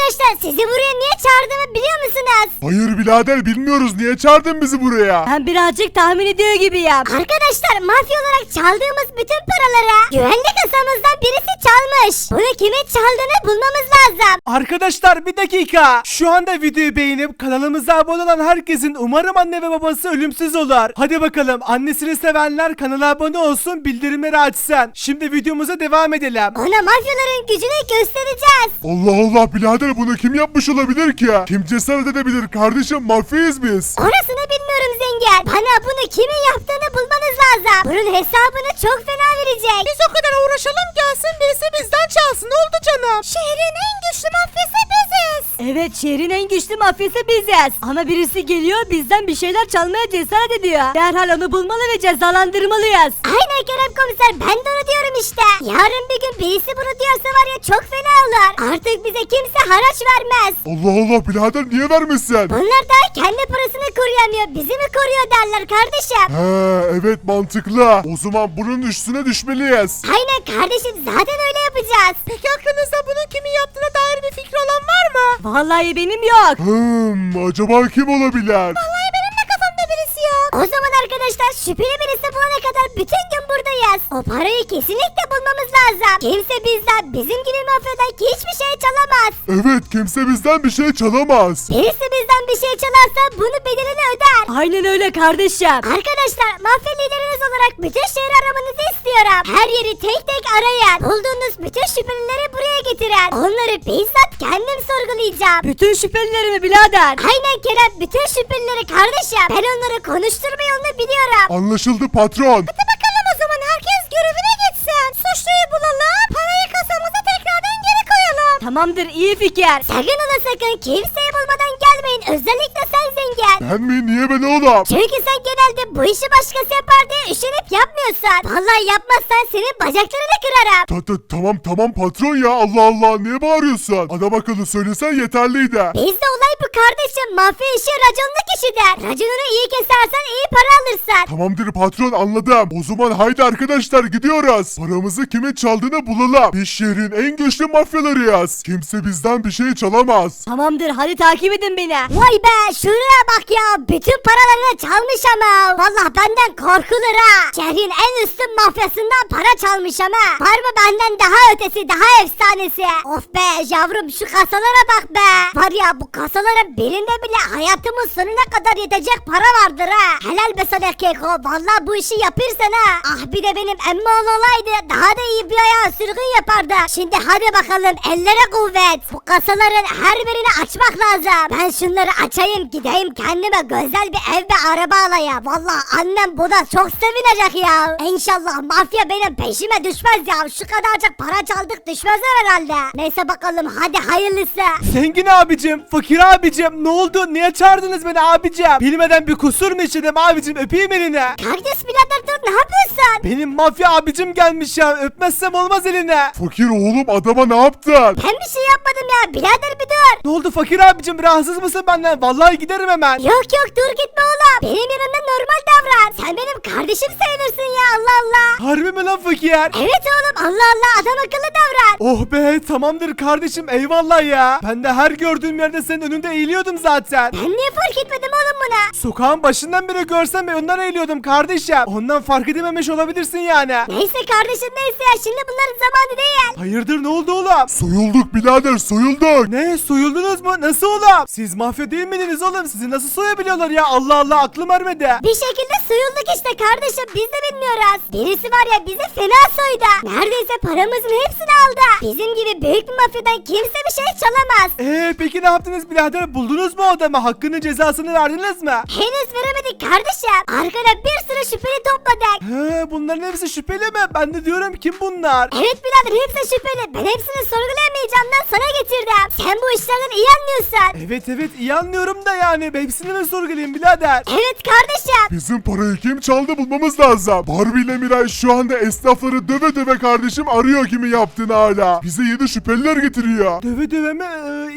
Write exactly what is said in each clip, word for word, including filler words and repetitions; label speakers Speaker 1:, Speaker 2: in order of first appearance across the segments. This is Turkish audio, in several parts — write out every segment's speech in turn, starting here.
Speaker 1: arkadaşlar sizi buraya niye çağırdığımı biliyor musunuz?
Speaker 2: Hayır birader bilmiyoruz, niye çağırdın bizi buraya?
Speaker 3: Ben birazcık tahmin ediyor gibiyim.
Speaker 1: Arkadaşlar mafya olarak çaldığımız bütün paraları güvenlik kasamızdan birisi çalmış. Bunu kimin çaldığını bulmamız lazım.
Speaker 4: Arkadaşlar bir dakika. Şu anda videoyu beğenip kanalımıza abone olan herkesin umarım anne ve babası ölümsüz olur. Hadi bakalım, annesini sevenler kanala abone olsun, bildirimleri açsın. Şimdi videomuza devam edelim.
Speaker 1: Ona mafyaların gücünü göstereceğiz.
Speaker 2: Allah Allah birader, bunu kim yapmış olabilir ki? Kim cesaret edebilir kardeşim, mafyayız biz.
Speaker 1: Orasını bilmiyorum zengin. Bana bunu kimin yaptığını bulmanız lazım. Bunun hesabını çok fena verecek. Biz o kadar uğraşalım, gelsin birisi bizden çalsın. Ne oldu canım? Şehrin en güçlü mafyası biziz.
Speaker 3: Evet, şehrin en güçlü mafyası biziz. Ama birisi geliyor bizden bir şeyler çalmaya cesaret ediyor. Derhal onu bulmalı ve cezalandırmalıyız.
Speaker 1: Aynen Kerem komiser, ben de onu diyorum işte. Yarın bir gün birisi bunu diyorsa var ya çok fena olur. Artık bize kimse haraç vermez.
Speaker 2: Allah Allah birader, niye vermişsin?
Speaker 1: Bunlar da kendi parasını koruyamıyor. Bizi mi koruyor derler kardeşim.
Speaker 2: He evet, mantıklı. O zaman bunun üstüne düşmeliyiz.
Speaker 1: Aynen kardeşim, zaten öyle yapacağız. Peki aklınızda bunun kimin yaptığına dair bir fikri olan var mı?
Speaker 3: Vallahi benim yok.
Speaker 2: Hmm, acaba kim olabilir?
Speaker 1: Vallahi benim de kafamda birisi yok. O zaman arkadaşlar şüpheli birisi bulana kadar bütün gün buradayız. O parayı kesinlikle bulmamız lazım. Kimse bizden, bizim gibi mafyadan hiçbir şey çalamaz.
Speaker 2: Evet, kimse bizden bir şey çalamaz.
Speaker 1: Birisi bizden bir şey çalarsa bunu bedelini öder.
Speaker 3: Aynen öyle kardeşim.
Speaker 1: Arkadaşlar mafya lideriniz olarak bütün şehri aramanızı istiyorum. Her yeri tek tek arayın. Bulduğunuz bütün şüphelileri buraya getirin. Onları bizzat kendim sorgulayacağım.
Speaker 3: Bütün şüphelileri mi birader?
Speaker 1: Aynen Kerem, bütün şüphelileri kardeşim. Ben onları konuşturma yolunu biliyorum.
Speaker 2: Anlaşıldı patron.
Speaker 1: Hadi bakalım o zaman, herkes görevine gitsin. Suçluyu bulalım, parayı kasamıza tekrardan geri koyalım.
Speaker 3: Tamamdır, iyi fikir.
Speaker 1: Sakın ola sakın kimseyi bulmadan gelmeyin. Özellikle sen zengin.
Speaker 2: Ben mi? Niye ben oğlum?
Speaker 1: Çünkü sen genelde bu işi başkası yapar diye üşenip yapmıyorsun. Vallahi yapmazsan senin bacaklarını kırarım.
Speaker 2: Ta, ta, tamam tamam patron ya, Allah Allah, niye bağırıyorsun? Adam akıllı söylesen yeterliydi.
Speaker 1: Bizde olay bu kardeşim. Mafya işi raconlu kişidir. Raconunu iyi kesersen iyi para alırsın.
Speaker 2: Tamamdır patron, anladım. O zaman haydi arkadaşlar gidiyoruz. Paramızı kimin çaldığını bulalım. Biz şehrin en güçlü mafyalarıyız. Kimse bizden bir şey çalamaz.
Speaker 3: Tamamdır, hadi takip edin beni.
Speaker 1: Vay be, şuraya bak ya. Bütün paralarını çalmış ama. Vallahi benden korkulur ha. Şehrin en üstün mafyasından para çalmış ama. Var mı benden daha ötesi, daha efsanesi? Of be yavrum, şu kasalara bak be. Var ya, bu kasaların birinde bile hayatımın sonuna kadar yetecek para vardır ha. Helal be sana Keko. Vallahi bu işi yapırsan ha. Ah bir de benim emmoğlu olaydı, daha da iyi bir ayağı sürgün yapardı. Şimdi hadi bakalım, ellere kuvvet. Bu kasaların her birini açmak lazım. Ben şunları açayım, gideyim kendime güzel bir ev ve araba alayım. Vallahi annem buna çok sevinecek ya. İnşallah mafya benim peşime düşmez ya. Şu kadarcık para çaldık, düşmezler herhalde. Neyse bakalım, hadi hayırlısı.
Speaker 4: Zengin abicim, fakir abicim, ne oldu? Niye çağırdınız beni abicim? Bilmeden bir kusur mu işledim abicim? Öpeyim elini.
Speaker 1: Kardeş birader dur, ne yapıyorsun?
Speaker 4: Benim mafya abicim gelmiş ya. Öpmezsem olmaz eline.
Speaker 2: Fakir oğlum, adama ne yaptın?
Speaker 1: Ben bir şey yapmadım ya, birader bir dur.
Speaker 4: Ne oldu fakir abicim? Rahatsız mısın benden? Vallahi giderim hemen.
Speaker 1: Yok yok, dur gitme oğlum. Benim yanımda normal davran. Sen benim kardeşim sayılırsın ya, Allah Allah.
Speaker 4: Harbi mi lan fakir?
Speaker 1: Evet oğlum, Allah Allah, adam akıllı davran.
Speaker 4: Oh be, tamamdır kardeşim, eyvallah ya. Ben de her gördüğüm yerde senin önünde eğiliyordum zaten.
Speaker 1: Ben niye fark etmedim oğlum buna?
Speaker 4: Sokağın başından beri görsem ben ondan eğiliyordum kardeşim. Ondan fark edememiş olabilirsin yani.
Speaker 1: Neyse kardeşim, neyse ya, şimdi bunların zamanı değil.
Speaker 4: Hayırdır, ne oldu oğlum?
Speaker 2: Soyulduk birader, soyulduk.
Speaker 4: Ne, soyuldunuz mu? Nasıl oğlum? Siz mafya değil miydiniz oğlum? Sizi nasıl soyabiliyorlar ya? Allah Allah, aklım ermedi.
Speaker 1: Bir şekilde soyulduk işte kardeşim, biz de bilmiyoruz. Birisi var ya, bizi fena soydu. Neredeyse paramızın hepsini aldı. Bizim gibi büyük bir mafyadan kimse bir şey çalamaz.
Speaker 4: Eee peki ne yaptınız birader? Buldunuz mu o adamı? Hakkının cezasını verdiniz mi?
Speaker 1: Henüz veremedik kardeşim. Arkada bir sürü şüpheli topladık.
Speaker 4: He, bunların hepsi şüpheli mi? Ben de diyorum kim bunlar?
Speaker 1: Evet birader, hepsi şüpheli. Ben hepsini sorgulayamayacağımdan sana getirdim. Sen bu işlerden iyi anlıyorsun.
Speaker 4: Evet evet, iyi anlıyorum da yani. Hepsini mi sorgulayayım birader?
Speaker 1: Evet kardeşim.
Speaker 2: Bizim parayı kim çaldı bulmamız lazım. Barbie ile Miray şu anda esnafları döve döve kardeşim arıyor kimi yaptığını hala. Bize yeni şüpheliler getiriyor.
Speaker 4: Döve döve mi? Ee,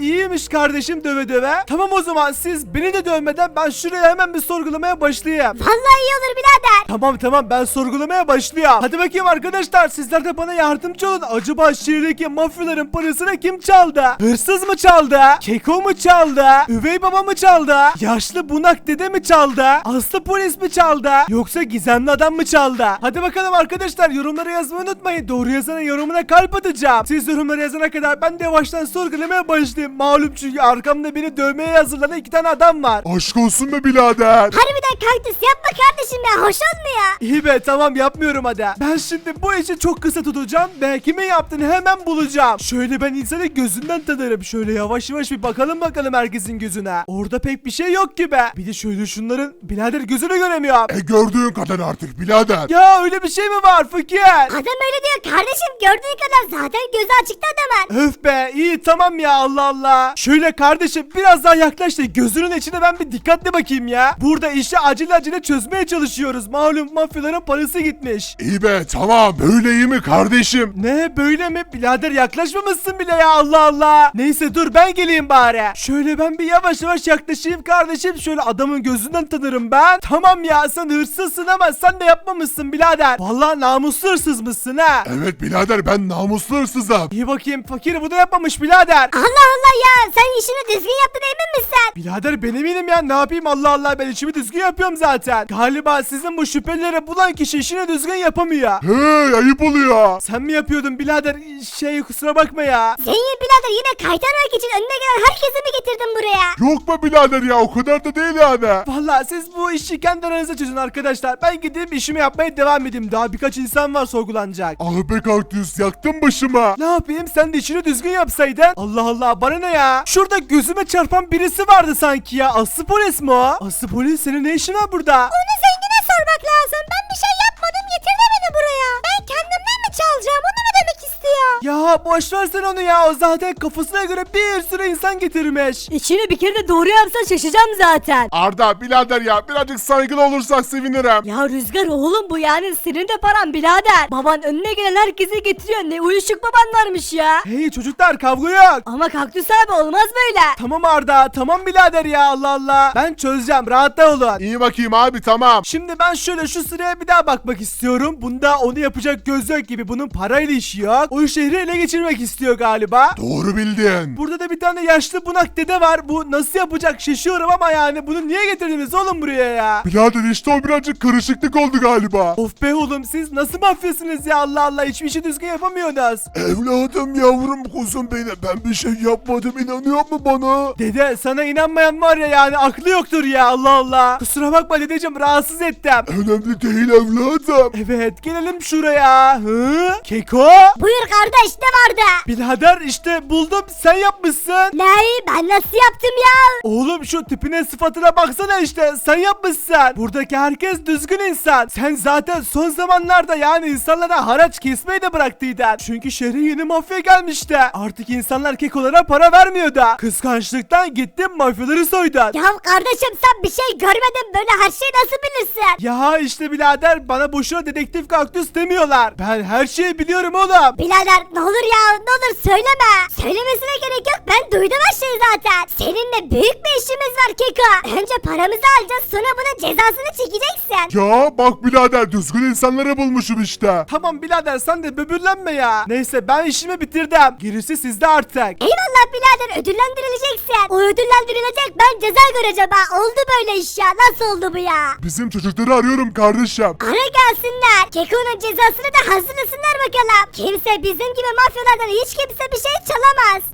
Speaker 4: iyiymiş kardeşim döve döve. Tamam o zaman siz beni de dövmeden ben şuraya hemen bir sorgulamaya başlayayım.
Speaker 1: Vallahi iyi olur birader.
Speaker 4: Tamam tamam ben sorgulamaya başlıyorum. Hadi bakayım arkadaşlar sizler de bana yardımcı olun. Acaba şehirdeki mafyaların parasını kim çaldı? Hırsız mı çaldı? Keko mu çaldı? Üvey baba mı çaldı? Yaşlı bunak dede mi çaldı? Aslı polis mi çaldı? Yoksa gizemli adam mı çaldı? Hadi bakalım arkadaşlar yorumlara yazmayı unutmayın. Doğru yazana yorumuna kalp atacağım. Siz yorumlara yazana kadar ben de yavaştan sorgulamaya başlayayım. Malum çünkü arkamda beni dövmeye hazırlanan iki tane adam var.
Speaker 2: Aşk olsun be birader.
Speaker 1: Harbiden kaktüs yapma kardeşim ya, hoş olmuyor.
Speaker 4: İyi be tamam yapmıyorum hadi. Ben şimdi bu işi çok kısa tutacağım ve kimin yaptığını hemen bulacağım. Şöyle ben insanı gözünden tanırım. Şöyle yavaş yavaş bir bakalım bakalım herkesin gözüne. Orada pek bir şey yok gibi. Bir de şöyle şunların birader gözünü göremiyorum.
Speaker 2: E gördüğün kadar artık birader.
Speaker 4: Ya öyle bir şey mi var fakir?
Speaker 1: Adam öyle diyor kardeşim, gördüğün kadar zaten gözü açıktı adamın.
Speaker 4: Öf be iyi tamam ya Allah Allah. Şöyle kardeşim biraz daha yaklaş da gözünün içine ben bir dikkatli bakayım ya. Burada işi acele acele çözmeye çalışıyoruz. Malum mafyaların parası gitmiş.
Speaker 2: İyi be tamam, böyle iyi mi kardeşim?
Speaker 4: Ne böyle mi? Birader yaklaşmamışsın bile ya Allah Allah. Neyse dur ben geleyim bari. Şöyle ben bir yavaş yavaş yaklaşayım kardeşim. Şöyle adamın gözünden tanırım ben. Tamam ya sen hırsızsın ama sen de yapmamışsın birader. Vallahi namuslu hırsız mısın ha?
Speaker 2: Evet birader, ben namuslu hırsızım.
Speaker 4: İyi bakayım fakir bu da yapmamış birader.
Speaker 1: Allah Allah ya, sen işini düzgün yaptın emin misin?
Speaker 4: Birader ben eminim ya ne yapayım Allah Allah ben işimi düzgün yapıyorum zaten. Galiba sizin bu şüphelileri bulan kişi işini düzgün yapamıyor.
Speaker 2: Hey, ayıp oluyor.
Speaker 4: Sen mi yapıyordun birader? Şey kusura bakma ya.
Speaker 1: Senin birader yine kaytarmak için önüne gelen herkesi mi getirdin buraya?
Speaker 2: Yok be birader ya, o kadar da değil yani.
Speaker 4: Vallahi siz bu işi kendi aranızda çözün arkadaşlar. Ben gideyim işimi yapmaya devam edeyim. Daha birkaç insan var sorgulanacak.
Speaker 2: Ah be kaktüs, yaktın başıma.
Speaker 4: Ne yapayım sen de işini düzgün yapsaydın. Allah Allah bana ne ya. Şurada gözüme çarpan birisi vardı sanki ya. Aslı polis mi o? Aslı polis senin ne işin var burada?
Speaker 1: Onu zengine sormak lazım. Ben bir şey yapmadım, getirdi beni buraya. Ben kendimden mi çalacağım, onu mu demek istiyor?
Speaker 4: Ya boş ver sen onu ya. O zaten kafasına göre bir sürü insan getirmiş.
Speaker 3: İşini bir kere de doğru yapsan şaşacağım zaten.
Speaker 2: Arda birader ya, birazcık saygılı olursak sevinirim.
Speaker 3: Ya Rüzgar oğlum bu yani senin de paran birader. Baban önüne gelen herkesi getiriyor. Ne uyuşuk baban varmış ya.
Speaker 4: Hey çocuklar kavga yok.
Speaker 3: Ama Kaktüs abi olmaz böyle.
Speaker 4: Tamam Arda tamam birader ya Allah Allah. Ben çözeceğim rahatta olun.
Speaker 2: İyi bakayım abi, tamam.
Speaker 4: Şimdi ben şöyle şu sıraya bir daha bakmak istiyorum. Bunda onu yapacak göz yok gibi, bunun parayla işi yok. O şehri ele geçirmek istiyor galiba.
Speaker 2: Doğru bildin.
Speaker 4: Burada da bir tane yaşlı bunak dede var. Bu nasıl yapacak şaşıyorum ama yani bunu niye getirdiniz oğlum buraya ya?
Speaker 2: Birader işte o birazcık karışıklık oldu galiba.
Speaker 4: Of be oğlum siz nasıl mafyasınız ya Allah Allah, hiçbir işi düzgün yapamıyorsunuz.
Speaker 2: Evladım, yavrum, kuzum benim, ben bir şey yapmadım, inanıyor mu bana?
Speaker 4: Dede sana inanmayan var ya yani aklı yoktur ya Allah Allah. Kusura bakma dedeciğim rahatsız ettim.
Speaker 2: Önemli değil evladım.
Speaker 4: Evet gelelim şuraya. Hı? Keko?
Speaker 1: Buyur kardeş, ne vardı?
Speaker 4: Birader işte buldum, sen yapmışsın.
Speaker 1: Ne? Ben nasıl yaptım ya?
Speaker 4: Oğlum şu tipine sıfatına baksana işte, sen yapmışsın. Buradaki herkes düzgün insan. Sen zaten son zamanlarda yani insanlara haraç kesmeyi de bıraktıydın. Çünkü şehre yeni mafya gelmişti. Artık insanlar kekolara para vermiyordu. Kıskançlıktan gittin mafyaları soydun.
Speaker 1: Ya kardeşim sen bir şey görmedin, böyle her şeyi nasıl bilirsin?
Speaker 4: Ya işte birader bana boşuna dedektif kaktüs demiyorlar. Ben her şeyi biliyorum oğlum.
Speaker 1: Birader ne olur ya, ne olur söyleme. Söylemesine gerek yok, ben duydum her şeyi zaten. Seninle büyük bir işimiz var Keko. Önce paramızı alacağız, sonra bunun cezasını çekeceksin.
Speaker 2: Ya bak birader, düzgün insanları bulmuşum işte.
Speaker 4: Tamam birader sen de böbürlenme ya. Neyse ben işimi bitirdim. Gerisi sizde artık.
Speaker 1: Eyvallah birader, ödüllendirileceksin. O ödüllendirilecek, ben ceza göreceğim ha. Oldu böyle iş ya, nasıl oldu bu ya?
Speaker 2: Bizim çocukları arıyorum kardeşim.
Speaker 1: Ara gelsinler. Keko'nun cezasını da hazırlasınlar bakalım. Kimse bizim gibi mafyalardan hiç kimse bir şey çalamaz.